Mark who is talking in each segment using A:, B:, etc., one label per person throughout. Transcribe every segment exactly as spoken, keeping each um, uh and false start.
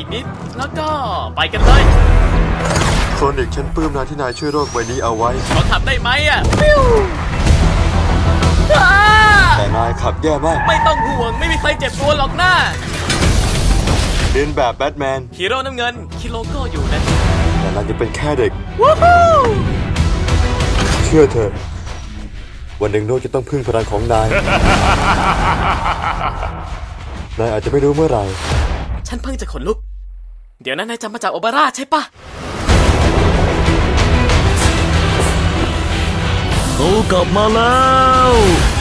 A: นิดแล้วก็ไปกันเลย
B: โซนิกฉันปลื้มนายที่นายช่วยโลกใบนี้เอาไว้
A: เขาทำได้ไหมอ่ะฟิวอ้า
B: แต่นายขับแย่มาก
A: ไม่ต้องห่วงไม่มีใครเจ็บตัวหรอกนะ
B: เรียนแบบแบทแมน
A: ฮีโร่น้ำเงินคิโลโก้อยู่นะ
B: แต่นายจะเป็นแค่เด็ก
A: วู้ฮู้
B: เชื่อเถอะวันหนึ่งโลกจะต้องพึ่งพลังของนาย นายอาจจะไม่รู้เมื่อไหร่
A: ฉันเพิ่งจะขนลุกเดี๋ยวนั้นนายจำมาจากโอเปร่าใช่ปะ
C: เขากลับมาแล้ว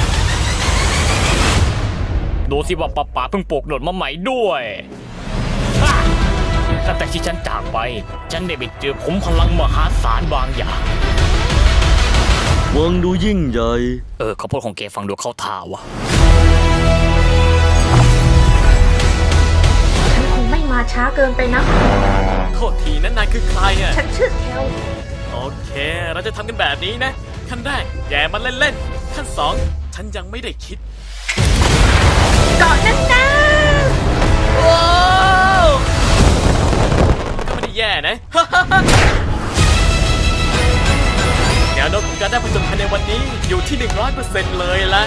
C: ดูสิว่าป้าป๋าเพิ่งปลูกหนวดมาใหม่ด้วยฮ่าตั้งแต่ที่ฉันจากไปฉันได้ไปเจอผมพลังมหาศาลบางอย่าง
D: วังดูยิ่งใหญ่
C: เออเขาพูดของแกฟังดูเข้าท่าวะ
E: ฉันคงไม่มาช้าเกินไปนะ
A: โทษทีนั้นนายคือใครอ่ะ
E: ฉันชื่อแคล
A: โอเค เราจะทำกันแบบนี้นะ ขั้นแรกแย่มันเล่นๆ ขั้นสองฉันยังไม่ได้คิด
E: เกาะนั่นนะ
A: ว้าวก็ไม่ได้แย่นะ แนวโน้มของการได้ผจญภัยในวันนี้อยู่ที่ หนึ่งร้อยเปอร์เซ็นต์ เลยละ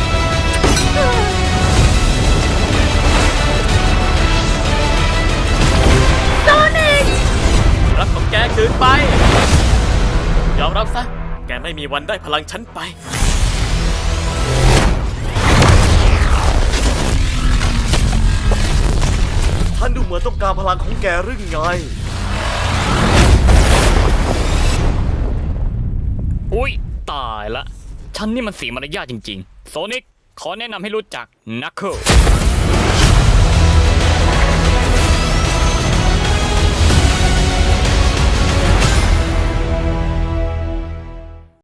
E: โซนิก
A: รับของแกคืนไป ยอมรับซะ แกไม่มีวันได้พลังฉันไป
D: ท่านดูเหมือนต้องการพลังของแกหรือไง
C: อุ๊ยตายละฉันนี่มันเสียมารยาทจริงๆโซนิกขอแนะนำให้รู้จักนักเคิล